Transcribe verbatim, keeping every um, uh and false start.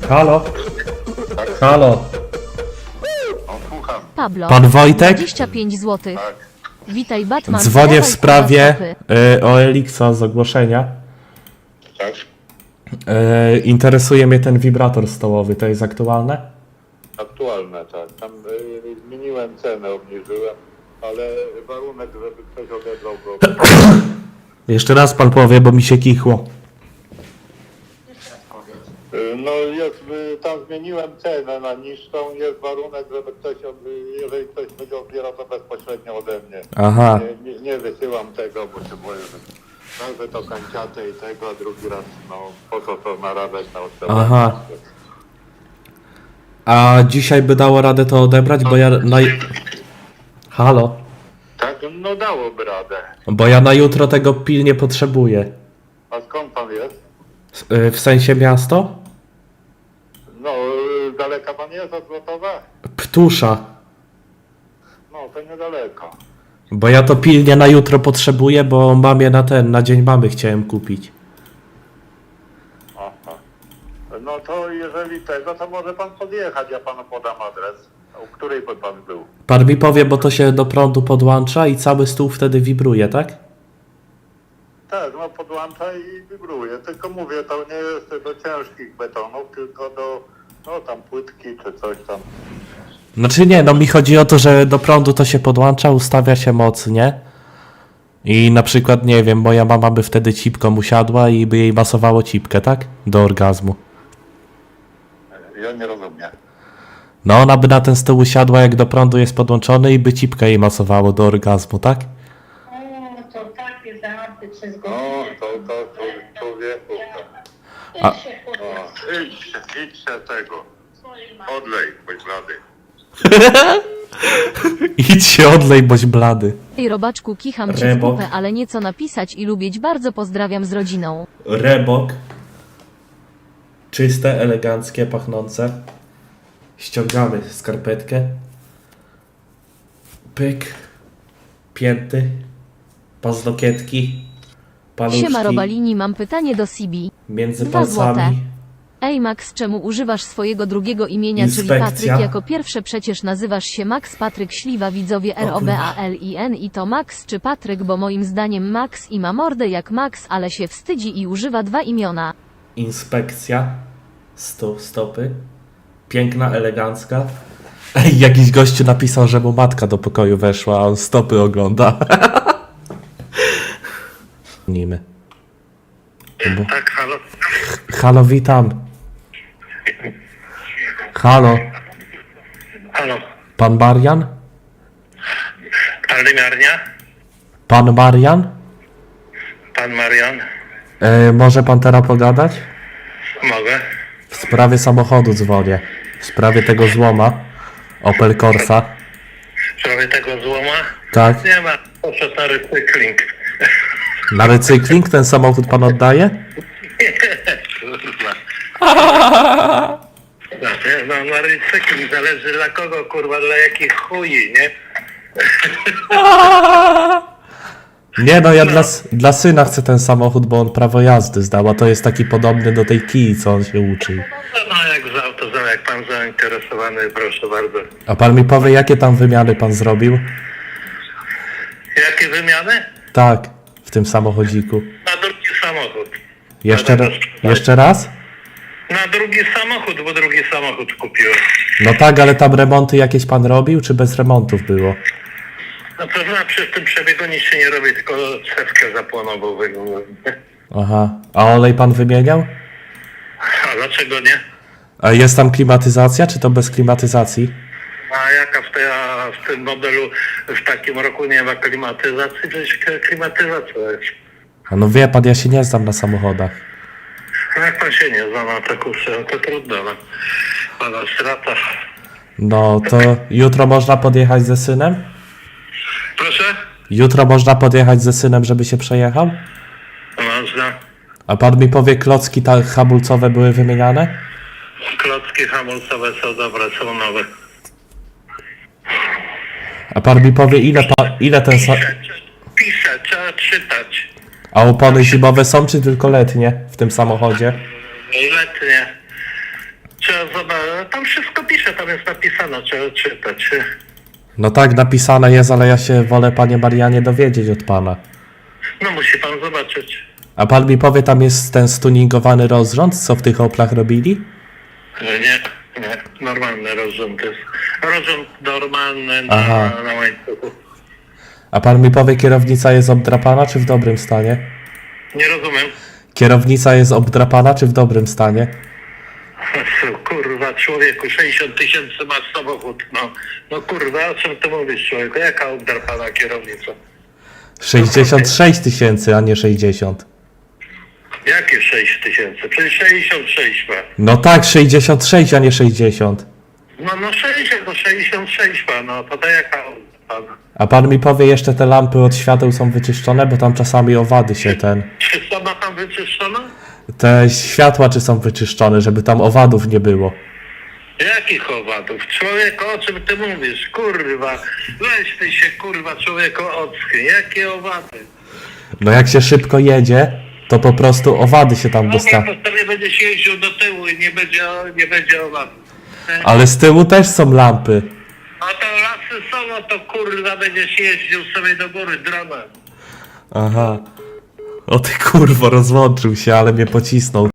Halo? Halo? O, słucham. Pablo, Pan Wojtek? dwadzieścia pięć złotych. Tak. Witaj, Batman. Dzwonię w Dawaj, sprawie kurwa, stopy. y, o Elixa z ogłoszenia. Tak. Y, interesuje mnie ten wibrator stołowy, to jest aktualne? Aktualne, tak. Tam y, zmieniłem cenę, obniżyłem, ale warunek, żeby ktoś odebrał go. Jeszcze raz pan powie, bo mi się kichło. Y, no jest, y, tam zmieniłem cenę na niższą, jest warunek, żeby ktoś, od, y, jeżeli ktoś będzie odbierał to bezpośrednio ode mnie. Aha. Nie, nie, nie wysyłam tego, bo się boję, że raz, że to kanciate i tego, a drugi raz, no po co to narabiać na odstępność. Aha. A dzisiaj by dało radę to odebrać, bo ja na... Halo? Tak, no dałoby radę. Bo ja na jutro tego pilnie potrzebuję. A skąd pan jest? Y, w sensie miasto? No, y, daleka pan jest od Złotowa? Ptusza. No, to niedaleko. Bo ja to pilnie na jutro potrzebuję, bo mamie na ten, na dzień mamy chciałem kupić. Aha. No to jeżeli tego, to może pan podjechać, ja panu podam adres. U której by pan był? Pan mi powie, bo to się do prądu podłącza i cały stół wtedy wibruje, tak? Tak, no podłącza i wibruje. Tylko mówię, to nie jest do ciężkich betonów, tylko do, no tam płytki czy coś tam. Znaczy nie, no mi chodzi o to, że do prądu to się podłącza, ustawia się moc, nie? I na przykład, nie wiem, moja mama by wtedy cipką usiadła i by jej masowało cipkę, tak? Do orgazmu. Ja nie rozumiem. No ona by na ten stół usiadła, jak do prądu jest podłączony i by cipkę jej masowało do orgazmu, tak? O, to takie żarty przez No, godzinę. to, to, to człowieku. To. A- Idź się No, podnieść idź, idź się tego. swojej matce. Odlej, bądź blady. Idź się odlej, boś blady. Ej, robaczku, kicham ci w Rebok. kupę, ale nieco napisać i lubić bardzo pozdrawiam z rodziną. Rebok. Czyste, eleganckie, pachnące. Ściągamy skarpetkę. Pyk. Pięty. Paznokietki. Paluszki. Siema Robalini, mam pytanie do Sibi. Między Dwa złote. palcami. Ej Max, czemu używasz swojego drugiego imienia, czyli Inspekcja. Patryk jako pierwsze? Przecież nazywasz się Max Patryk Śliwa, widzowie R O B A L I N i to Max czy Patryk, bo moim zdaniem Max i ma mordę jak Max, ale się wstydzi i używa dwa imiona. Inspekcja. Sto, stopy. Piękna, elegancka. Ej, jakiś gościu napisał, że mu matka do pokoju weszła, a on stopy ogląda. Nimy. Bo... Tak, halo. Halo, witam. Halo, Halo. pan Marian? Aldymiarnia? Pan Marian? Pan Marian? E, może pan teraz pogadać? Mogę? W sprawie samochodu dzwonię. W sprawie tego złoma. Opel Corsa. W sprawie tego złoma? Tak. Nie ma. Poszedł na recykling. Na recykling ten samochód pan oddaje? Kurwa. No, nie, no, na recykling zależy dla kogo, kurwa, dla jakich chuji, nie? Nie no, ja dla, s- dla syna chcę ten samochód, bo on prawo jazdy zdał, a to jest taki podobny do tej kij, co on się uczył. No, jak za auto, za- jak pan zainteresowany, proszę bardzo. A pan mi powie, jakie tam wymiany pan zrobił? Jakie wymiany? Tak, w tym samochodziku. Na drugi samochód. Jeszcze, ra- jeszcze raz? Na drugi samochód, bo drugi samochód kupiłem. No tak, ale tam remonty jakieś pan robił, czy bez remontów było? No to znaczy, przy tym przebiegu nic się nie robi, tylko cewkę zapłonową. Aha, a olej pan wymieniał? A dlaczego nie? A jest tam klimatyzacja, czy to bez klimatyzacji? A jaka w, tej, a w tym modelu w takim roku nie ma klimatyzacji? Przecież klimatyzacja jest. A no wie pan, ja się nie znam na samochodach. No jak pan się nie zna na to kurczę, no to trudno. No. Pana strata. No to jutro można podjechać ze synem? Proszę? Jutro można podjechać ze synem, żeby się przejechał? Można. A pan mi powie, klocki ta hamulcowe były wymieniane? Klocki hamulcowe są dobre, są nowe. A pan mi powie, ile, pa, ile ten... Sa- Pisze, pisze, trzeba czytać. A opony zimowe są, czy tylko letnie w tym samochodzie? Letnie. Trzeba zobaczyć, tam wszystko pisze, tam jest napisane, trzeba czytać. No tak, napisane jest, ale ja się wolę, panie Marianie, dowiedzieć od pana. No musi pan zobaczyć. A pan mi powie, tam jest ten stuningowany rozrząd, co w tych Oplach robili? Nie, nie, normalny rozrząd jest. Rozrząd normalny Aha. na, na łańcuchu. A pan mi powie, kierownica jest obdrapana, czy w dobrym stanie? Nie rozumiem. Kierownica jest obdrapana, czy w dobrym stanie? Kurwa, człowieku, sześćdziesiąt tysięcy masz samochód, no. No kurwa, o czym ty mówisz, człowieku? Jaka obdrapana kierownica? sześćdziesiąt sześć tysięcy, a nie sześćdziesiąt. Jakie sześć tysięcy? Przecież sześćdziesiąt sześć ma. No tak, sześćdziesiąt sześć, a nie sześćdziesiąt. No, no sześćdziesiąt, no sześćdziesiąt sześć ma, no to to jaka obdrapana? A pan mi powie, jeszcze te lampy od świateł są wyczyszczone, bo tam czasami owady się ten... Czy sama tam wyczyszczona? Te światła czy są wyczyszczone, żeby tam owadów nie było. Jakich owadów? Człowieku, o czym ty mówisz? Kurwa, weź ty się, kurwa, człowieku, ocknij. Jakie owady? No jak się szybko jedzie, to po prostu owady się tam No dostają. to sobie będziesz jeździł do tyłu i nie będzie, nie będzie owadów. Ale z tyłu też są lampy. A to lasy są, no to kurwa będziesz jeździł sobie do góry dronem. Aha. O ty kurwo, rozłączył się, ale mnie pocisnął.